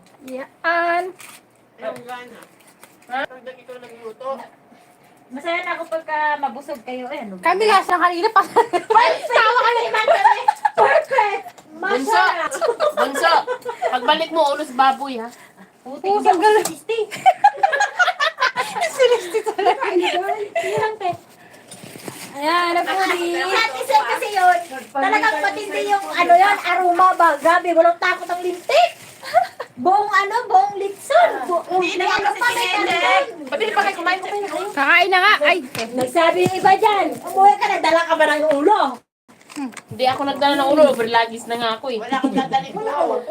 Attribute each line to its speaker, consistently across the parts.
Speaker 1: Yan.
Speaker 2: Yung gana. Pagdag ikaw nagluto.
Speaker 3: Masaya na ako pagka mabusog kayo. Eh, ano ba?
Speaker 1: Kami last na kanina pa. Tawa ka na naman kami. Perfect.
Speaker 2: Bunso! Bunso! Pagbalik mo, ulos baboy ha.
Speaker 3: Puti ko sa Sisti.
Speaker 1: Sinisti talaga.
Speaker 3: Sige lang, te.
Speaker 1: Ayan, na po di.
Speaker 3: Satisay kasi yun. Talagang matindi yung ano yun, aroma ba? Grabe, walang takot ang lintik. Buong buong litson. May ano pa, may kanin.
Speaker 2: Pati pa kayo kumain ko kayo.
Speaker 1: Kakain na nga. Ay.
Speaker 3: Nagsabi yung iba dyan, umuwi ka na, dala ka ba ng ulo?
Speaker 2: Hindi ako nagdala ng ulo, overlagis na nga ako eh. Wala akong dadali ko.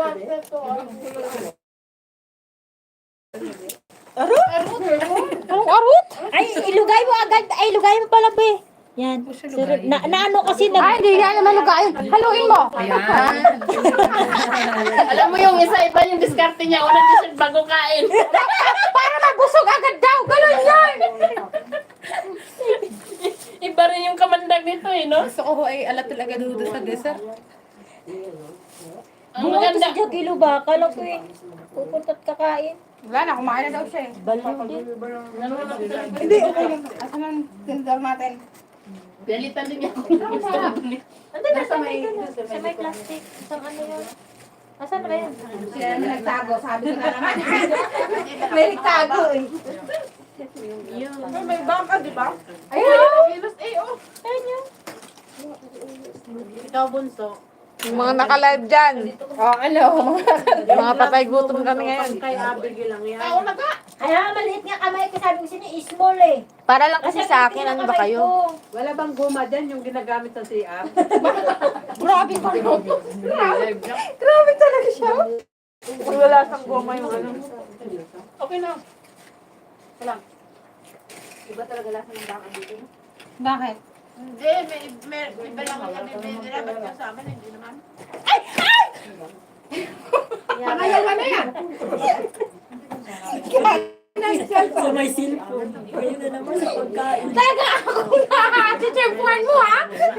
Speaker 1: Anong arot?
Speaker 3: Ay, ilugay mo agad. Ay, ilugay mo pala, be. Yan. Na ano kasi
Speaker 1: Ay, hindi yan naman lugain. Haluin mo.
Speaker 2: Alam mo yung isa, iba yung diskarte niya. Unang dessert bago kain.
Speaker 1: Para mabusog agad daw. Galon yan.
Speaker 2: Iba rin yung kamandag nito eh, no?
Speaker 1: Gusto ko ay alat talaga doon sa dessert.
Speaker 2: Ang
Speaker 3: Bunga to
Speaker 2: maganda.
Speaker 3: si Jokilo ba? Kala ko eh. Pupunta't kakain.
Speaker 1: Wala na, kumain na daw siya eh.
Speaker 3: Baliw din.
Speaker 1: Hindi, okay lang. Asan ang tindal natin?
Speaker 2: Dalitan din niya ako.
Speaker 3: Ando na sa may plastic. Sa ano yun? Asan ba yan?
Speaker 1: Siya na nagtago, sabi ko na naman. May nagtago eh.
Speaker 2: May bangka, di ba?
Speaker 1: Ayun!
Speaker 3: Ayun yun.
Speaker 2: Ikaw, bunso.
Speaker 4: Yung mga naka-live dyan.
Speaker 1: Oh, ano?
Speaker 4: Mga patay gutom kami ngayon.
Speaker 2: Kay Abigail lang yan. Tao na ka!
Speaker 3: Kaya maliit nga kamay ko. Sabi ko sino small eh.
Speaker 4: Para lang kasi sa akin, ano ba kayo?
Speaker 2: Wala bang guma dyan yung ginagamit sa CR?
Speaker 1: Grabe pa rin. Grabe talaga siya.
Speaker 4: Wala sang goma yung ano.
Speaker 2: Okay na. Wala. Iba talaga lasa ng baka dito.
Speaker 1: Bakit?
Speaker 2: Hindi, may iba lang kami. May dapat ka sa amin, hindi naman.
Speaker 1: Ayaw ka na yan.
Speaker 3: Sa may cellphone. Ayun na naman sa pagkain.
Speaker 1: Talaga ako na. Titempuan mo ha.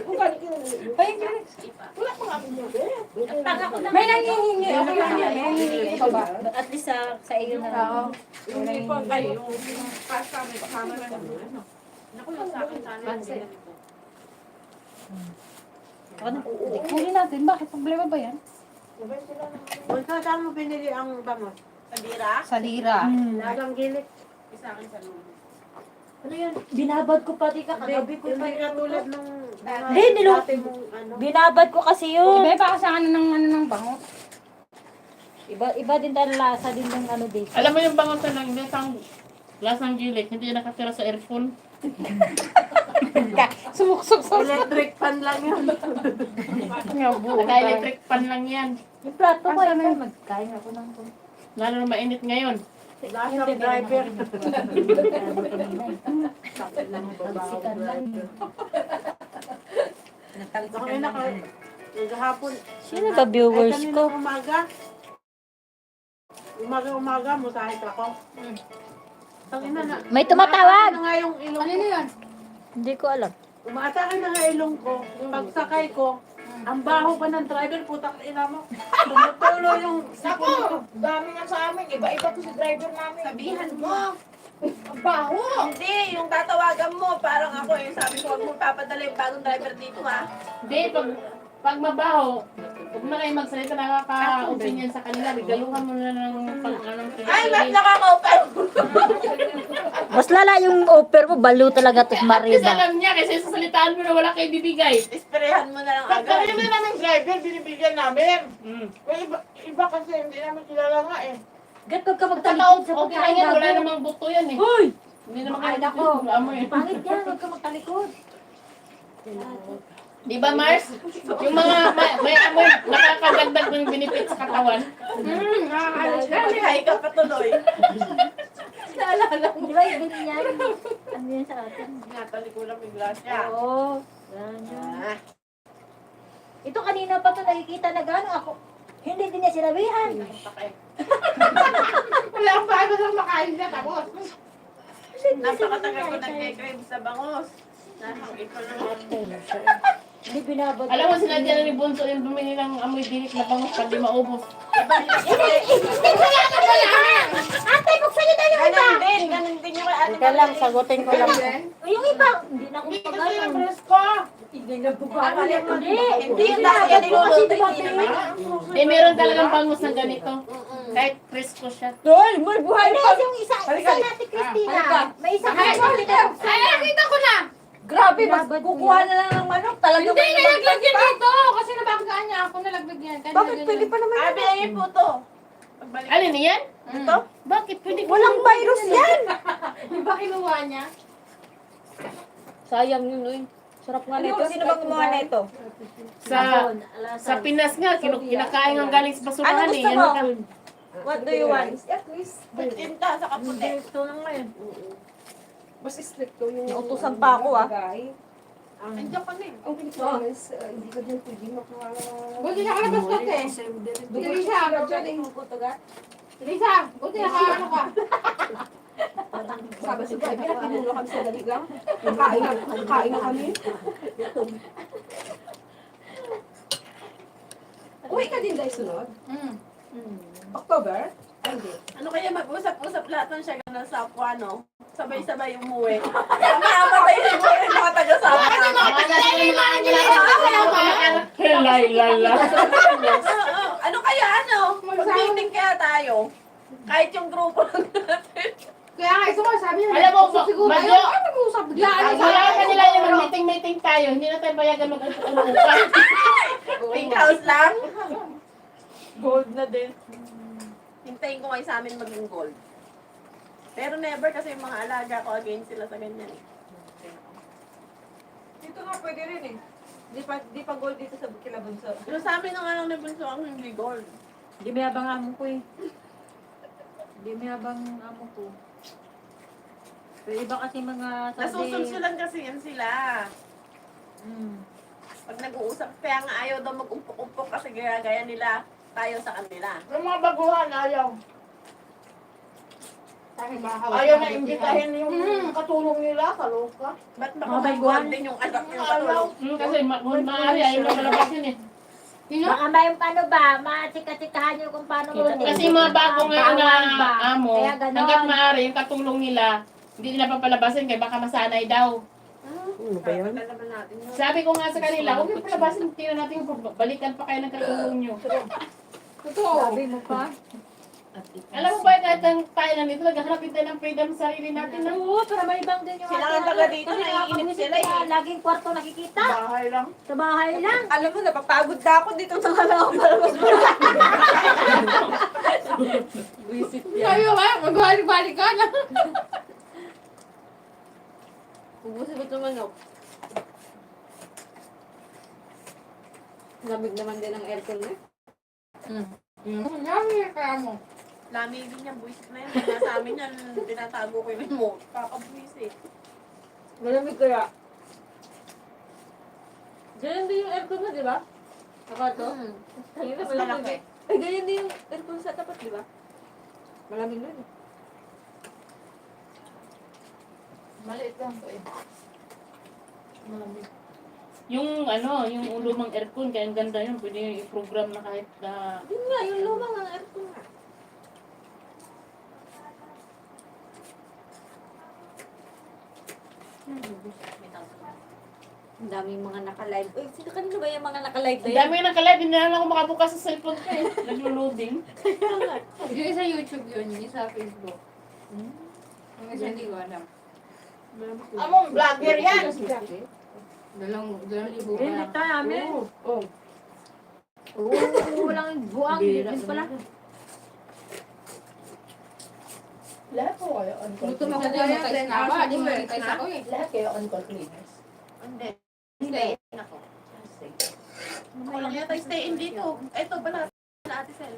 Speaker 1: May nangihingi. Okay lang yan. May nangihingi pa ba?
Speaker 3: At least sa iyo na lang.
Speaker 1: Oo.
Speaker 2: Hindi pa kayo. Kasama na naman. Naku, yung sa akin sana.
Speaker 1: Huli natin. Bakit? Problema ba yan?
Speaker 2: Kung saan mo pinili ang bangos? Sa bira?
Speaker 1: Sa lira.
Speaker 2: Lagang gilik. Isa akin sa lumo.
Speaker 3: Ano yan? Binabad ko pati kagabi ko pa
Speaker 2: Hindi
Speaker 3: yun.
Speaker 2: katulad nung...
Speaker 3: Hindi,
Speaker 2: dati mong ano.
Speaker 3: Binabad ko kasi yun.
Speaker 1: Iba pa sa ano ng bango.
Speaker 3: Iba din tayo lasa din ng ano dito.
Speaker 2: Alam mo yung bangon sa lang, lasang gilik, hindi nakatira sa earphone.
Speaker 1: Sumuksok sa
Speaker 2: Electric fan lang yun. Naka-electric fan lang yan.
Speaker 3: Yung plato ko, yun. Magkain ako ng
Speaker 2: Lalo na mainit ngayon. Lasang driver.
Speaker 3: Sikat lang.
Speaker 2: Okay na kayo. Naghahapon.
Speaker 3: Sino ba viewers
Speaker 2: Ay,
Speaker 3: ko?
Speaker 2: kanina umaga. Umaga, musahit ako. Tangina na.
Speaker 3: May tumatawag.
Speaker 2: Umaatake na nga yung ilong
Speaker 1: Ano
Speaker 2: ko.
Speaker 1: yun?
Speaker 3: Hindi ko alam.
Speaker 2: Umaatake na nga ilong ko. Pagsakay ko, ang baho pa ng driver, putang ina mo. Tumutulo yung sipon ko.
Speaker 5: Dami nga sa amin. Iba-iba to si driver namin.
Speaker 2: Sabihan mo.
Speaker 5: Ang baho.
Speaker 6: Hindi, yung tatawagan mo, parang ako eh. Sabi ko, huwag mo papadala yung bagong driver dito ha.
Speaker 2: Hindi, pag mabaho, huwag na kayo magsalita, nakaka-opinion sa kanila. Bigaluhan mo na ng pang-anong
Speaker 6: Ay, mas nakaka-open!
Speaker 3: Mas lala yung offer mo, balo talaga to
Speaker 2: Kasi
Speaker 3: Mariba.
Speaker 2: alam niya, kasi sasalitaan mo na wala kayo bibigay.
Speaker 6: Isprehan mo na lang
Speaker 5: Pag
Speaker 6: agad.
Speaker 5: kami namin driver, binibigyan namin.
Speaker 2: Mm.
Speaker 5: May iba kasi hindi namin kilala nga eh.
Speaker 3: Gat ka
Speaker 2: Totoo,
Speaker 3: magtalikod sa
Speaker 2: okay lang
Speaker 3: pagkain
Speaker 2: yan, wala
Speaker 3: bago.
Speaker 2: namang buto yan eh.
Speaker 3: Hoy!
Speaker 2: Hindi naman
Speaker 3: Ay,
Speaker 2: kayo
Speaker 3: nako.
Speaker 2: amoy.
Speaker 3: Pangit yan, huwag ka magtalikod.
Speaker 2: Di ba, Mars? Yung mga may amoy, nakakagandag ng benefit sa katawan.
Speaker 6: Hay ka patuloy.
Speaker 3: Di ba yung ganyan? Ano yan sa atin?
Speaker 2: Natalikulang bigla siya.
Speaker 3: Oo. Ganyan. Ito kanina pa to nakikita na gano'n ako. Hindi din niya sinabihan.
Speaker 5: Wala akong bago lang makain na tapos.
Speaker 6: Napakatagal ko nagkikrave sa bangos. Ikaw lang.
Speaker 3: Hindi binabad.
Speaker 2: Alam mo, sinadya na ni Bunso yung bumili ng amoy dinik na bangus pag di maubos.
Speaker 6: Iba nila
Speaker 4: lang, sagutin ko lang.
Speaker 3: Yung iba, hindi na ako
Speaker 5: Hindi kasi yung
Speaker 3: pagano.
Speaker 5: presko.
Speaker 3: Hindi.
Speaker 6: Hindi yung dati yan niluluto, hindi naman.
Speaker 2: Eh, meron talagang bangus na ganito. Kahit presko siya.
Speaker 4: Doy, may buhay
Speaker 3: Hindi, yung isa natin, Christina. May isa ka.
Speaker 1: Ay, nakita ko na! Grabe, mas kukuha na lang ng manok. Talaga
Speaker 5: Hindi, nalaglag yan dito. Kasi nabanggaan niya ako, nalaglag yan. Kaya
Speaker 1: Bakit
Speaker 5: nilagyan
Speaker 1: pwede
Speaker 5: yan.
Speaker 1: pa naman?
Speaker 6: Abi, ayun po to. Pagbalik.
Speaker 2: Alin yan?
Speaker 6: Ito?
Speaker 2: Bakit? Pwede ko.
Speaker 1: Walang virus yan!
Speaker 5: Di ba kinuha niya?
Speaker 4: Sayang yun, uy. Sarap nga nito.
Speaker 1: Sino bang gumawa na ito?
Speaker 2: Sa Pinas nga, kinakain ang galing sa basurahan
Speaker 1: Ano
Speaker 2: eh.
Speaker 1: gusto mo?
Speaker 2: Yan.
Speaker 1: What do you want?
Speaker 6: Tinta sa kaputi.
Speaker 2: Ito lang ngayon.
Speaker 1: Mas stricto yung... Nautusan pa ako ah.
Speaker 6: Nandiyan ka na eh.
Speaker 1: Hindi ko din pwede makuha.
Speaker 5: Buti nakalabas ka, te. Teresa, Teresa, buti nakaano ka.
Speaker 1: Sabi si Bebe, pinulo kami sa dali lang. Kain na kami. Uwi ka din dahil sunod? October? Ay, hindi.
Speaker 6: Ano kaya mag-usap-usap lahat ng siya ganun sa Apuano? Sabay-sabay umuwi. Mamatay na mo yung mga taga-sama.
Speaker 2: Lala.
Speaker 6: Ano kaya Mag-meeting kaya tayo? Kahit yung grupo lang natin.
Speaker 5: Kaya nga, ito sabi niya.
Speaker 2: Alam mo,
Speaker 5: siguro,
Speaker 2: Madyo,
Speaker 5: ayaw ka mag-uusap. Biglaan
Speaker 2: Ay,
Speaker 5: sa
Speaker 2: wala ka nila yung mag-meeting tayo. Hindi na tayo bayagan mag-upa.
Speaker 6: Pink house lang.
Speaker 2: Gold na din.
Speaker 6: Hintayin ko kayo sa amin maging gold. Pero never kasi yung mga alaga ko against sila sa ganyan eh.
Speaker 1: Dito nga pwede rin eh. Di pa gold dito sa Kilabunso.
Speaker 6: Pero sa amin ang anong nabunso ang hindi gold.
Speaker 2: Hindi may abang amo ko eh. Hindi may abang amo ko. Pero iba kasi mga
Speaker 6: Nasusulsulan kasi yan sila. Pag nag-uusap, kaya nga ayaw daw mag-umpok-umpok kasi gaya nila tayo sa kanila.
Speaker 5: Yung mga baguhan, ayaw. Ayaw na imbitahin yung katulong nila, kaloka.
Speaker 6: Ba't baka mag din yung anak yung katulong?
Speaker 2: Kasi maaari ayaw na malabas yun eh.
Speaker 3: Baka may ano ba, matsika-tsikahan nyo kung paano
Speaker 2: Kasi yung mga bago ngayon na amo,
Speaker 3: Kaya ganon.
Speaker 2: hanggat maaari yung katulong nila, hindi nila papalabasin kaya baka masanay daw.
Speaker 6: Kaya naman natin yun.
Speaker 2: Sabi ko nga sa kanila, huwag yung palabasin, tingnan natin kung balikan pa kayo ng katulong nyo.
Speaker 5: Totoo.
Speaker 3: Sabi mo pa?
Speaker 2: Alam mo ba kahit ang tayo nandito, naghahanapin tayo ng freedom sa sarili natin na
Speaker 3: Oo, para may ibang din yung
Speaker 6: Sila nga taga dito, naiinip sila eh.
Speaker 3: Laging kwarto nakikita.
Speaker 5: Bahay lang.
Speaker 3: Sa bahay lang.
Speaker 1: Alam mo, napapagod na ako dito sa halaw para mas
Speaker 5: Ayaw ba? Magbalik-balik ka na.
Speaker 4: Ubusin mo ito manok. Lamig naman din ang aircon eh.
Speaker 5: Yummy, kaya mo.
Speaker 6: Lamigin niya, buwisit na yun. Kaya sa amin yan, tinatago ko yung remote. Kakabuwisit.
Speaker 4: Malamig kaya. Ganyan din yung aircon na, di ba? Saka to? Tangina,
Speaker 6: Mas
Speaker 4: malamig
Speaker 6: malaki.
Speaker 4: eh. Ay, ganyan din yung aircon sa tapat, di ba? Malamig nun eh.
Speaker 5: Maliit lang to eh.
Speaker 2: malamig. Yung ano, yung lumang aircon, kaya ang ganda yun. Pwede yung i-program na kahit na...
Speaker 4: Yun nga, yung lumang ang aircon nga. Ang daming mga naka-live. Uy, sino kanino ba yung mga naka-live na
Speaker 2: Ang
Speaker 4: yun?
Speaker 2: dami yung nakalive, hindi na lang ako makabukas sa cellphone ko eh. Naglo-loading.
Speaker 5: Yung isa YouTube yun, yung isa Facebook. Yung isa hindi ko alam. Among vlogger yan. Dalawang libo pa lang.
Speaker 3: tayo amin.
Speaker 5: Oh.
Speaker 3: Oo, walang buwang. Bilis pala.
Speaker 5: Lahat po kayo on call.
Speaker 1: Gutom ako
Speaker 5: Kaya
Speaker 1: kaya,
Speaker 5: na ba? Di mo rin ako eh.
Speaker 1: Lahat kayo on call cleaners.
Speaker 6: Hindi. Stay in ako. Walang yata stay in dito. Eto pala. Na Ate Sel.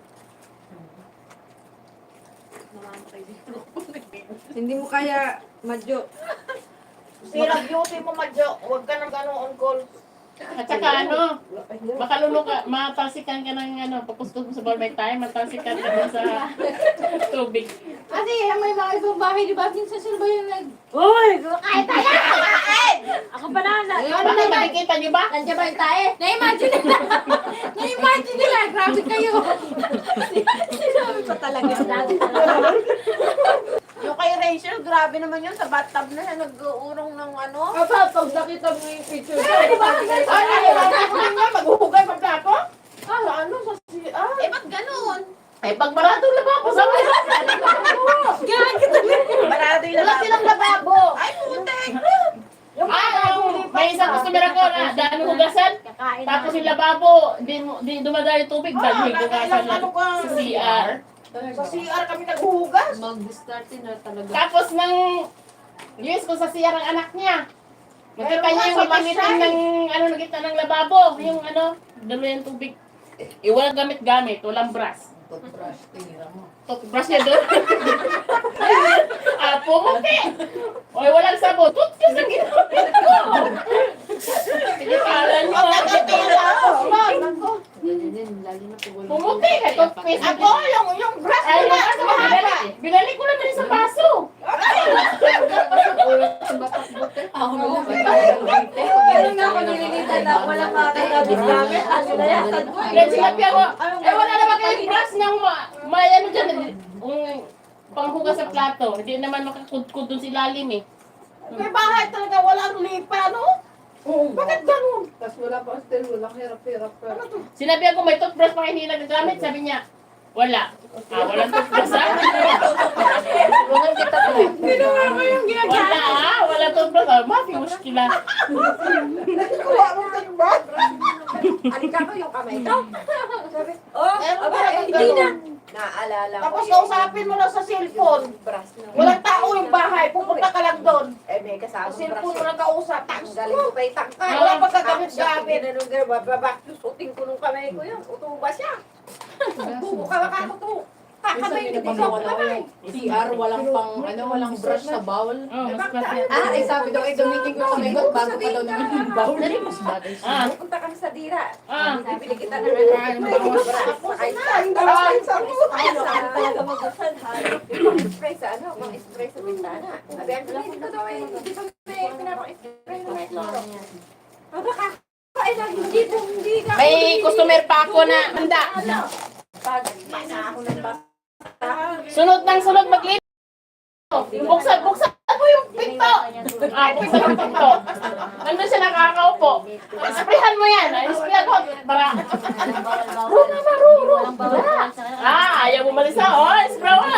Speaker 6: Namamatay dito.
Speaker 4: Hindi mo kaya, Madjo.
Speaker 5: Sira beauty mo, Madjo. Huwag ka nang gano'ng on call.
Speaker 2: At saka ano, makalulong ka, matalsikan ka ng ano, papustos mo sa barmay tayo, matalsikan ka dun sa tubig.
Speaker 5: Kasi may mga ibang bahay, di ba? Minsan sila ba yung nag...
Speaker 3: Uy, kumakain tayo! Ako pa na.
Speaker 2: Bakit nakikita niyo ba?
Speaker 3: Nandiyan ba yung tae?
Speaker 5: Na-imagine nila! Na-imagine nila! Grabe kayo!
Speaker 3: Sinabi pa talaga. Dati talaga.
Speaker 6: Yung kay Rachel, grabe naman yun. Sa bathtub na siya nag-uurong ng ano.
Speaker 2: Pag nakita mo yung picture
Speaker 6: Ay, maghuhugay pa plato? Sa ano? Sa CR? Eh, ba't ganun?
Speaker 2: Eh, pag marado lababo sa mga.
Speaker 6: Barado yung
Speaker 3: Wala silang lababo.
Speaker 6: Ay, putek!
Speaker 2: May isang customer ako na dami hugasan.
Speaker 3: Kakain
Speaker 2: Tapos
Speaker 3: na.
Speaker 2: yung lababo, di dumadali yung tubig. Dami hugasan lang sa CR.
Speaker 6: Sa CR kami naghuhugas.
Speaker 4: Mag-start na talaga.
Speaker 2: Tapos nang yes ko sa CR ang anak niya. Nakita niya yung itinitin ng ano nakita ng lababo, yung ano, dalo yung tubig. Walang gamit-gamit, walang brush. Toothbrush niya doon. Pumuti. Oy, walang sabon. Toothbrush ang ginamit ko. Sige, kala nyo. Pumuti ka, toothpaste.
Speaker 6: Ako, yung brush
Speaker 2: Ay,
Speaker 6: ko na.
Speaker 2: binalik ko naman sa baso.
Speaker 3: Meron nga ako nililitan na walang makakagabit-gamit. Ano na yan?
Speaker 2: Kaya sinabi ako, wala naman kayong brush ng may ano dyan, panghugas sa plato. Hindi naman makakudkud dun si lalim eh.
Speaker 6: May bahay talaga, walang lipa, no? Bakit ganun?
Speaker 1: Tapos wala pa still, walang hirap-hirap pa.
Speaker 2: Sinabi ako, may toothbrush pa hindi nagagamit. Sabi niya, wala. Walang toothbrush ha?
Speaker 4: Tulungan kita po.
Speaker 6: Ginawa mo yung
Speaker 2: Wala ha? Walang toothbrush ha? Mafi, muskila.
Speaker 6: ginagawa mo kayo ba?
Speaker 3: Alika ko yung kamay ko. Sabi,
Speaker 6: Hindi na.
Speaker 3: Naalala ko.
Speaker 6: Tapos kausapin mo lang sa cellphone. Walang tao yung bahay, pupunta ka lang doon.
Speaker 3: Eh, may kasama
Speaker 6: Sa cellphone mo lang kausap.
Speaker 3: Ang galing ko pa itangkay.
Speaker 6: Wala pang gagamit-gamit.
Speaker 3: Ginanong babaklusutin ko nung kamay ko yun. Utuba siya. Bubo ka makakuto. Kakamay ko sa kamay.
Speaker 5: CR, walang pang, walang brush sa bowl.
Speaker 2: Mas pati.
Speaker 5: Ay sabi daw, dumiting ko sa megot bago pa daw naman yung bowl. Mas bagay siya.
Speaker 3: Pupunta kami sa dira.
Speaker 2: Ah.
Speaker 3: Bibili kita ng spray talaga magusan ha. Spray sa ano, spray sa bintana. Sabi, ang bilis ko daw eh. Hindi pa may pinapang-spray ng mga loro. Baka ay hindi ka.
Speaker 2: May customer pa ako na handa.
Speaker 3: Pag basa ako ng basa.
Speaker 2: Sunod ng sunod maglinis. Buksan mo yung pinto. Buksan yung pinto. Nandun siya nakakaupo. Sprayhan mo yan. Sprayan ko. Para. Ayaw mo malisa. Spray mo.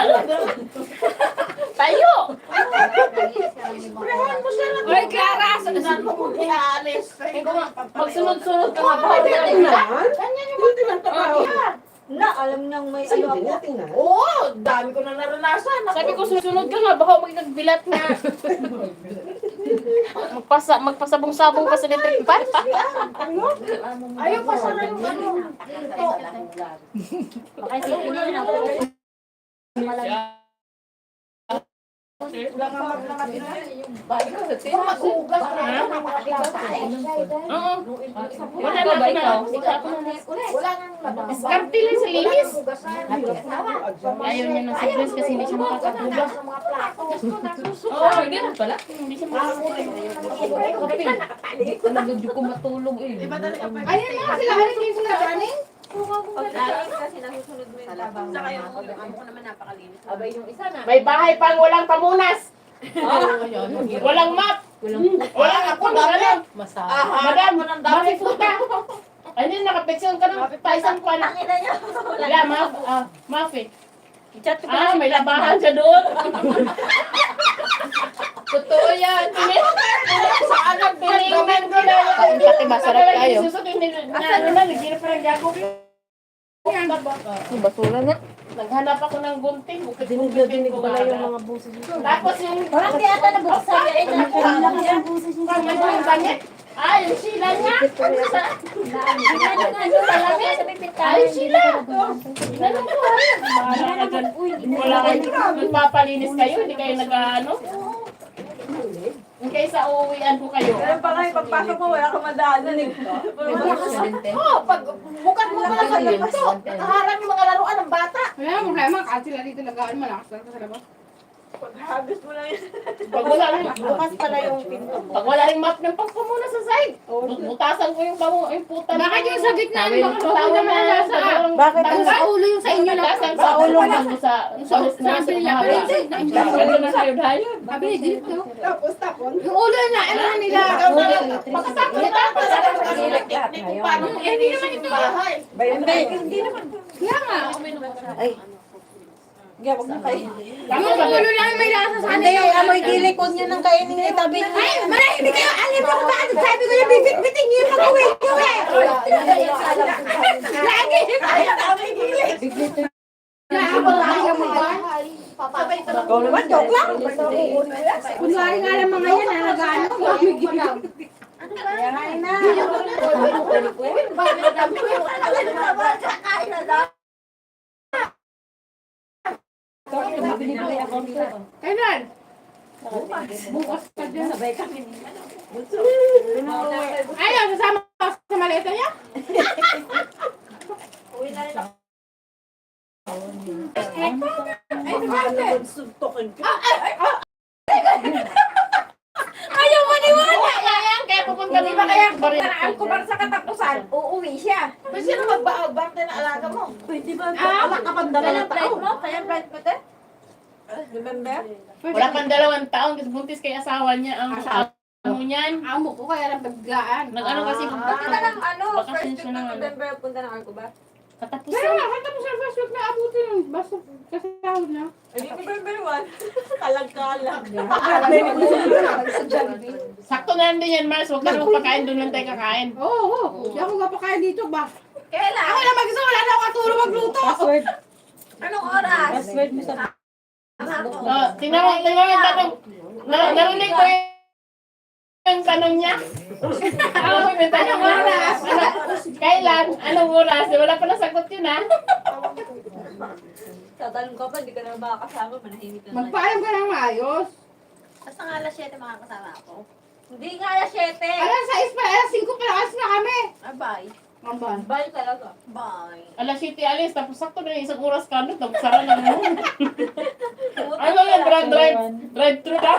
Speaker 2: Tayo.
Speaker 6: Sprayan mo siya lang.
Speaker 2: Oy, Clara.
Speaker 6: Saan mo kung iaalis?
Speaker 2: Magsunod-sunod ka nga ba?
Speaker 6: Ganyan yung magtrabaho.
Speaker 3: Na, alam niyang may ano ako.
Speaker 6: Oo, dami ko na naranasan.
Speaker 2: Sabi ko, susunod ka nga. Baka magbilat nga. Magpasabong-sabong ka sa electric pan.
Speaker 6: Ayaw pa sana yung ano.
Speaker 3: Baka isipin mo na ako.
Speaker 6: Wala nga maglakat na. Kung maghugas na yan,
Speaker 2: Oo. Wala na ikaw.
Speaker 6: wala nang labas.
Speaker 2: Diskarte lang sa linis.
Speaker 6: Hugasan.
Speaker 2: Ayaw niya ng siblings kasi hindi siya makakahugas.
Speaker 6: Sa mga plato.
Speaker 2: Oo, ganun pala. Hindi siya makakahugas.
Speaker 4: Talagang di ko matulog eh.
Speaker 6: Ayun na, sila haling sila running.
Speaker 3: Kasi nasusunod mo yung tabang.
Speaker 6: Saka yung amo ko naman napakalinis.
Speaker 3: Abay yung isa na.
Speaker 2: May bahay pang walang pamunas. Walang map. Walang ako. Walang. Madam, mafifuta. Ano yun, nakapeksyon ka ng paisan ko anak.
Speaker 3: Tangina niyo.
Speaker 2: Wala, mafi. May labahan siya doon.
Speaker 4: Totoo yan.
Speaker 2: Saan ang bilingan ko na?
Speaker 4: Pati masarap tayo.
Speaker 2: Naghanap parang gago.
Speaker 4: Basura na.
Speaker 2: Naghanap ako ng gunting. Dinig ko pala yung mga buses. Tapos yung...
Speaker 3: Parang di ata nabuksan niya.
Speaker 2: Yung damit. Yung sila niya. Ay, sila. Inanong ko. Bahala ka dyan. Wala kayo. Magpapalinis kayo. Hindi kayo nag-ano. Kaysa uuwian ko kayo.
Speaker 6: Pero pa kayo, pagpasok mo, wala kang madaanan eh. Pag bukat mo pala sa labas, nakaharang yung mga laruan ng bata.
Speaker 5: Wala mo problema kasi sila dito nagaan malakas lang sa labas.
Speaker 6: Paghagos mo lang yun.
Speaker 2: Pag wala rin,
Speaker 3: Bukas pala yung pinto mo.
Speaker 2: pag wala rin map ng pagpumuna sa side. Butasan ko yung puta.
Speaker 5: Bakit yung sa gitna?
Speaker 2: Tawid-
Speaker 5: Bakit sa
Speaker 2: tawid
Speaker 5: ulo naman
Speaker 2: na-
Speaker 5: nasa?
Speaker 3: Bakit
Speaker 5: Ang sa ulo yung sa inyo lang.
Speaker 2: Butasan sa ulo sa hus na sa mahaba. Gano'n na kayo dahil.
Speaker 5: Sabi ni Dilip ko.
Speaker 6: Tapos tapon.
Speaker 5: Yung ulo na, ano na nila.
Speaker 2: Pagkatapos na tapos.
Speaker 6: Paano
Speaker 5: Hindi naman ito.
Speaker 6: bahay?
Speaker 3: Hindi naman.
Speaker 5: Kaya nga.
Speaker 3: Ay. Gawag na kayo.
Speaker 5: Yung ulo lang yung may lasa sa
Speaker 3: Hindi,
Speaker 5: kanila.
Speaker 3: amoy gilikod niya ng kainin ni tabi niya.
Speaker 5: Ay, manahimik kayo. Alim mo ba? Sabi ko yung bibit-bitin niyo yung pag-uwi ko eh. Lagi. Nakakapag-ayaw mo ba?
Speaker 3: Ikaw naman, joke lang.
Speaker 5: Kunwari nga lang mga yan, nalagano.
Speaker 3: Kain na.
Speaker 5: Kailan? Bukas pa dyan. Ayaw, sasama ka sa maleta niya?
Speaker 3: Ayaw maniwala.
Speaker 2: Kaya pupunta din ba kaya?
Speaker 3: Paraan ko para sa katapusan, uuwi siya.
Speaker 6: Pero sino magbaabante na alaga mo?
Speaker 3: Pwede ba?
Speaker 6: Alak ka pang
Speaker 3: Kailan
Speaker 6: dalawang
Speaker 3: flight
Speaker 6: taon.
Speaker 3: mo? Kailan flight mo, te?
Speaker 6: Remember?
Speaker 2: Wala pang 2 taon kasi buntis kay asawa niya ang amo niyan.
Speaker 5: Amo ko kaya lang paggaan.
Speaker 2: Nag-ano kasi
Speaker 3: Punta na ng ano,
Speaker 2: Bakasyon
Speaker 3: first week
Speaker 2: siya
Speaker 3: ng
Speaker 2: ng ano.
Speaker 3: November, punta ng Arco ba?
Speaker 5: Kaya
Speaker 2: katapusan.
Speaker 5: nga, tapos sa first week na abutin yun. Basta kasi sahod na.
Speaker 6: Ay, November 1. Kalag-kalag.
Speaker 2: Sakto na lang din yan, Mars. Huwag ka naman pagkain, doon lang tayo kakain.
Speaker 5: Oo, oo. Hindi ako mapakain dito ba?
Speaker 3: Kailan?
Speaker 5: Ako lang mag-isa, wala na ako katulong magluto.
Speaker 3: Anong oras?
Speaker 2: Tingnan mo yung tanong. Narinig ko yung tanong niya. Ako may tanong
Speaker 5: Anong oras?
Speaker 2: Kailan? Anong oras? Wala pa nasagot yun, ha?
Speaker 4: Tatanong ka pa, hindi ka na makakasama, manahimik ka na.
Speaker 5: Magpaalam ka ng maayos.
Speaker 3: Basta nga alas 7 makakasama ako. Hindi nga alas 7.
Speaker 5: Alas 6 pa, alas 5 pa, alas na kami.
Speaker 3: Bye.
Speaker 5: Mamban.
Speaker 4: Bye talaga.
Speaker 3: Bye.
Speaker 2: Alas 7 alis, tapos sakto na yung isang oras ka na, tapos sara na mo. Ano yung drive-thru na?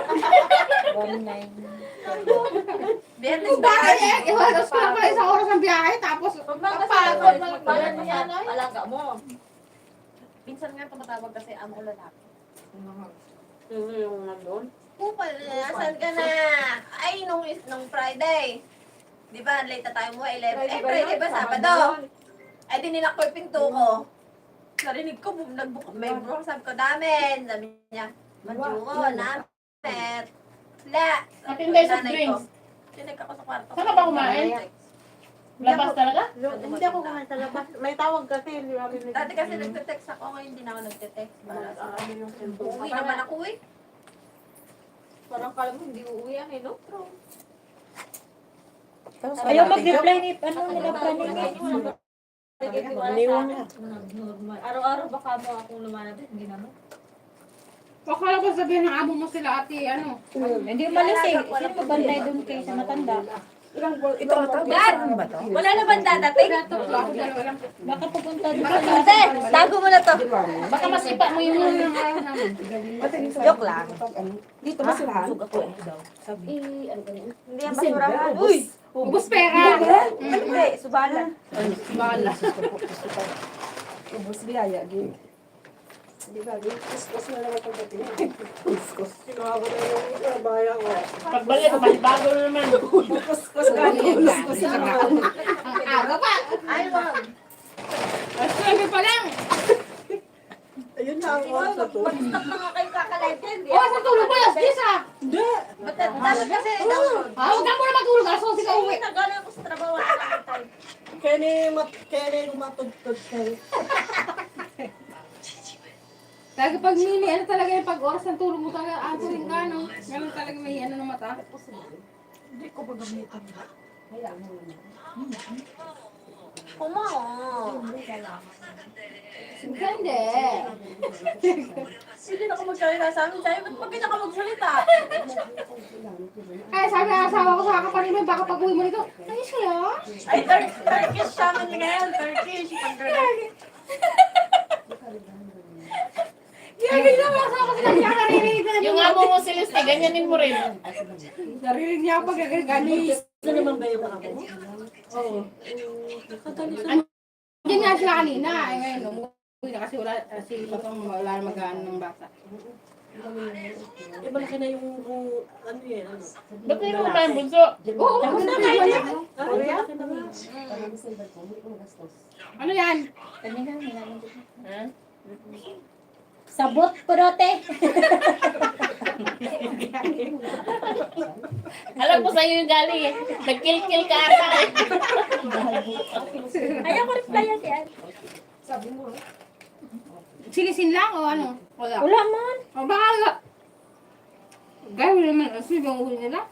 Speaker 3: Biyernes
Speaker 5: Kung bakit eh, iwalas ko lang pala isang oras ng biyahe, tapos
Speaker 3: Pag
Speaker 5: kapagod.
Speaker 3: magbalan mo yan, alaga mo.
Speaker 1: Minsan nga tumatawag kasi amo ko lalaki.
Speaker 6: Sino yung nandun?
Speaker 3: Kupal, asan ka na? Ay, nung Friday. Di ba, late na tayo mo, 11. Eh, Friday ba, Sabado? Eh, dininak ko yung pinto ko. Narinig ko, may bro, sabi ko, damen. Sabi niya, Manjuko, namet. La.
Speaker 2: Matinday sa drinks.
Speaker 3: Tinig ako sa kwarto.
Speaker 2: Saan ka ba kumain? Labas talaga?
Speaker 3: Hindi ako kumain sa labas.
Speaker 6: May tawag kasi, hindi kami
Speaker 3: Dati kasi nagte-text ako, ngayon hindi na ako nagte-text. Uuwi naman ako eh.
Speaker 4: Parang kala mo hindi uuwi yan eh, no?
Speaker 3: Ayaw mag-reply ni, nila
Speaker 4: Araw-araw baka mo akong lumalabas, hindi naman.
Speaker 5: Akala ko sabihin ng amo mo sila ate, ano.
Speaker 3: Hindi umalis eh. Sino babantay doon kayo sa matanda? Ito Dad! Wala na bang dadating? Baka pupunta doon sa Ate, tago mo na to.
Speaker 2: Baka masipa mo yung
Speaker 3: Joke lang.
Speaker 6: Dito ba sila?
Speaker 3: Hindi yan basurahan. Uy!
Speaker 5: Ubus pera.
Speaker 3: Hindi, subalan.
Speaker 5: Bala.
Speaker 6: Ubus biyaya, gini. Di ba, kuskus na naman pagdating. Kuskus. Kinuha ko na yung bayan ko.
Speaker 2: pagbalik, bago na naman.
Speaker 6: Kuskus ka, kuskus na.
Speaker 5: Ang aga pa.
Speaker 3: Ay, wag.
Speaker 5: Alas 9 pa lang.
Speaker 6: Ayun na ang oras na to.
Speaker 3: Mag-stop na nga kayo kakalive yan.
Speaker 5: Oh, sa tulog pa, alas 10 ah.
Speaker 3: Ba't dapat kasi download?
Speaker 5: Huwag ka muna matulog, alas 11 ka uwi.
Speaker 3: Nagaling ako sa trabaho. Wala na akong time.
Speaker 6: Kaya matugtog kayo.
Speaker 5: Talaga pag mini, ano talaga yung pag oras ng tulog mo talaga, answering ka, no? Ganun talaga may ano ng mata.
Speaker 3: Kumaon.
Speaker 5: Hindi.
Speaker 3: Hindi na ako magsalita sa amin. Sabi, ba't pag ka magsalita?
Speaker 5: Ay, sabi ng asawa ko sa kapatid mo, baka pag uwi mo nito, ayos kaya?
Speaker 3: Ay, Turkish siya man ngayon. Turkish.
Speaker 5: Gagawin na mga asawa ko sila, hindi ka naririnig
Speaker 2: Yung amo mo si Liste, ganyanin mo rin.
Speaker 6: Narinig niya ako gagalis.
Speaker 4: Ano naman ba yung ako?
Speaker 6: Oo.
Speaker 5: Hindi nga sila kanina. Eh, ngayon, umuwi na kasi wala, si Patong wala na mag-ano ng bata.
Speaker 4: Eh, malaki na yung ano yan, ano?
Speaker 2: Ba't hindi mo ba yung bunso?
Speaker 5: Oo,
Speaker 6: Tapos na
Speaker 5: kayo
Speaker 6: kayo.
Speaker 5: na.
Speaker 4: Ah, malaki na nga.
Speaker 5: Ano yan?
Speaker 2: Ha?
Speaker 1: Sabot, purote.
Speaker 2: Alam ko sa'yo yung galing eh. Nagkill-kill ka ata eh.
Speaker 1: Ayaw ko rin pala yan.
Speaker 6: Sabi mo.
Speaker 5: Sinisin lang o ano? Wala.
Speaker 1: Wala man.
Speaker 5: O baka gawin naman ang sibang huli nila.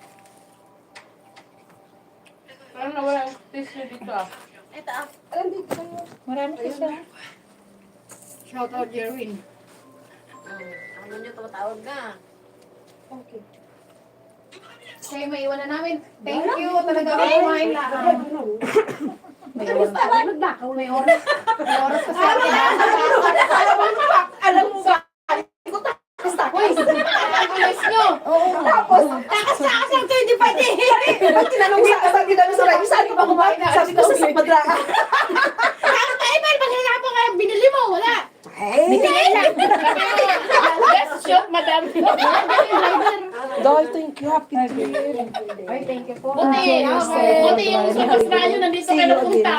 Speaker 2: Parang nawala yung tissue dito ah.
Speaker 3: Ito ah.
Speaker 1: Marami kasi.
Speaker 5: Shout out Jerwin.
Speaker 3: Ano nyo tumatawag ka?
Speaker 6: Okay.
Speaker 5: Kayo maiwan na namin. Thank you. Talaga kumain na.
Speaker 1: May oras pa. May oras. May oras pa sa akin.
Speaker 6: Alam mo ba?
Speaker 5: Uy, ang guys nyo.
Speaker 6: Tapos, takas lang 25 eh. Pag tinanong sa radio, sabi ba kumain na? Sabi ko sa Madra.
Speaker 5: Ay, may pagkakapo kayo. Binili mo. Wala.
Speaker 1: Bitigay lang.
Speaker 2: Best shot, madam.
Speaker 6: Dahil thank you, happy day.
Speaker 1: Ay, thank you po.
Speaker 2: Buti yung super radyo nandito kayo napunta.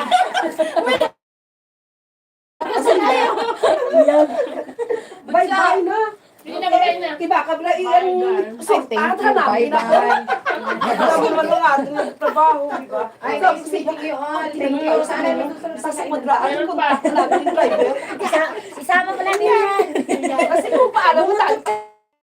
Speaker 6: Bye-bye na.
Speaker 2: Hindi na bagay na.
Speaker 6: Diba, kabla iyan. Thank you, bye-bye. Sabi mo lang ating nagtrabaho, diba?
Speaker 1: Ay, thank you all. Thank you. Sana
Speaker 6: Sa Madra, ano kung lagi yung driver?
Speaker 1: isama mo lang yan.
Speaker 6: Kasi kung paano mo tayo,